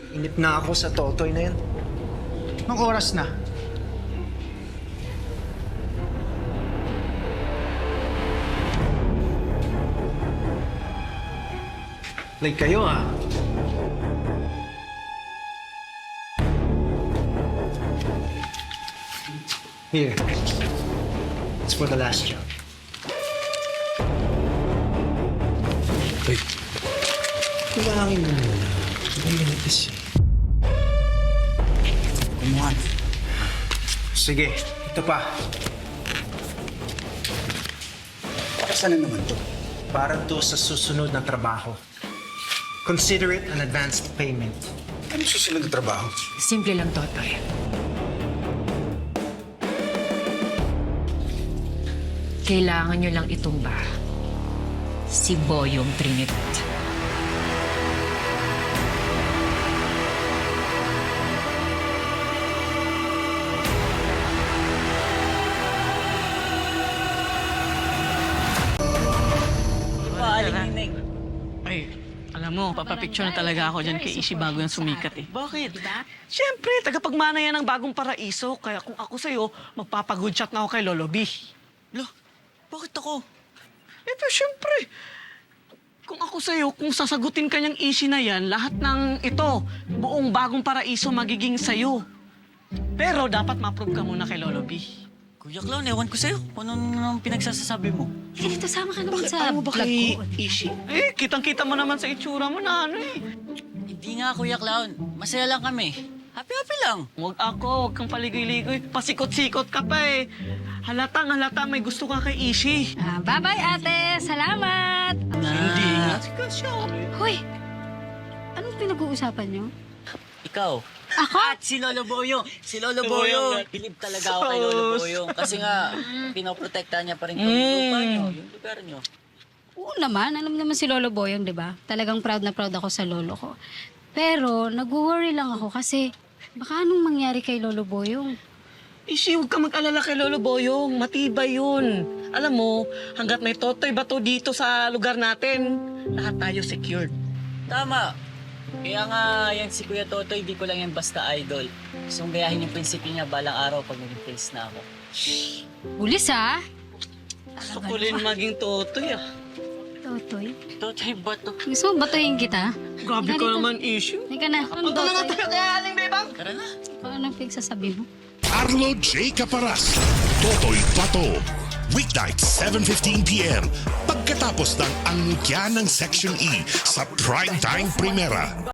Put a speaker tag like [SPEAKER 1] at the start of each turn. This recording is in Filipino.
[SPEAKER 1] Inip na ako sa Totoy na yan.
[SPEAKER 2] Anong oras na?
[SPEAKER 1] Like kayo ah. Here. It's for the last job.
[SPEAKER 3] Wait.
[SPEAKER 1] Kulangin mo muna. Mainis eh.
[SPEAKER 2] Kumuhan.
[SPEAKER 1] Sige, ito pa.
[SPEAKER 2] Para saan na naman to?
[SPEAKER 1] Para to sa susunod na trabaho. Consider it an advanced payment.
[SPEAKER 2] Ano susunod na trabaho?
[SPEAKER 4] Simple lang, Totoy. Kailangan nyo lang itumba si Boyong Trinidad.
[SPEAKER 5] Ay, alam mo, papapicture na talaga ako dyan kay Ishi bago yung sumikat eh. Bakit? Siyempre, tagapagmana yan ng bagong paraiso. Kaya kung ako sa'yo, magpapagood shot na ako kay Lolo B. Lo, bakit ako? Eh, pero siyempre, kung ako sa'yo, kung sasagutin ka niyang Ishi na yan, lahat ng ito, buong bagong paraiso magiging sa'yo. Pero dapat ma-approve ka muna kay Lolo B.
[SPEAKER 6] Kuya Clown, ewan ko sa'yo. Kung anong pinagsasasabi mo.
[SPEAKER 7] Eh, dito sama ka naman
[SPEAKER 5] Bakit
[SPEAKER 7] sa
[SPEAKER 5] ano ba
[SPEAKER 7] vlog
[SPEAKER 5] kay
[SPEAKER 7] ko.
[SPEAKER 5] Ishi? Eh, kitang-kita mo naman sa itsura mo na ano eh.
[SPEAKER 6] Hindi nga, Kuya Clown. Masaya lang kami. Happy-happy lang.
[SPEAKER 5] Huwag ako, huwag kang paligoy-ligoy. Pasikot-sikot ka pa eh. Halatang-halata may gusto ka kay Ishi.
[SPEAKER 7] Ah, bye-bye, ate. Salamat.
[SPEAKER 5] Hindi nga. Siya.
[SPEAKER 7] Hoy, anong pinag-uusapan niyo?
[SPEAKER 6] Ikaw.
[SPEAKER 7] Ako?
[SPEAKER 6] At si Lolo Boyong. Si Lolo Boyong. Bilib talaga ako kay Lolo Boyong. Kasi nga, pinoprotektahan niya pa rin yung lupa niyo, yung lugar niyo.
[SPEAKER 7] Oo naman. Alam naman si Lolo Boyong, di ba? Talagang proud na proud ako sa lolo ko. Pero, nag-worry lang ako kasi baka anong mangyari kay Lolo Boyong?
[SPEAKER 5] Ishi, huwag ka mag-alala kay Lolo Boyong. Matibay yun. Alam mo, hanggat may totoy bato dito sa lugar natin, lahat tayo secured.
[SPEAKER 6] Tama. Kaya nga, yan si Kuya Totoy, di ko lang yan basta idol. Gusto kong gayahin yung prinsipyo niya balang araw pag naging face na ako.
[SPEAKER 7] Bulis, ha?
[SPEAKER 5] Gusto ko rin maging totoy ah.
[SPEAKER 7] Totoy.
[SPEAKER 6] Totoy ba to?
[SPEAKER 7] Gusto mo batuhin kita?
[SPEAKER 5] Grabe
[SPEAKER 7] Halika
[SPEAKER 5] ka
[SPEAKER 7] dito.
[SPEAKER 5] naman, Ishi.
[SPEAKER 7] Halika na. Anong
[SPEAKER 5] Punta na nga
[SPEAKER 7] Totoy?
[SPEAKER 5] tayo kaya aling bebang.
[SPEAKER 6] Tara na.
[SPEAKER 7] Anong pinagsasabi mo?
[SPEAKER 8] Arlo J. Caparas, Totoy Pato. Weeknight, 7:15 p.m. Pagkatapos ng angkya ng Section E sa Primetime Primera.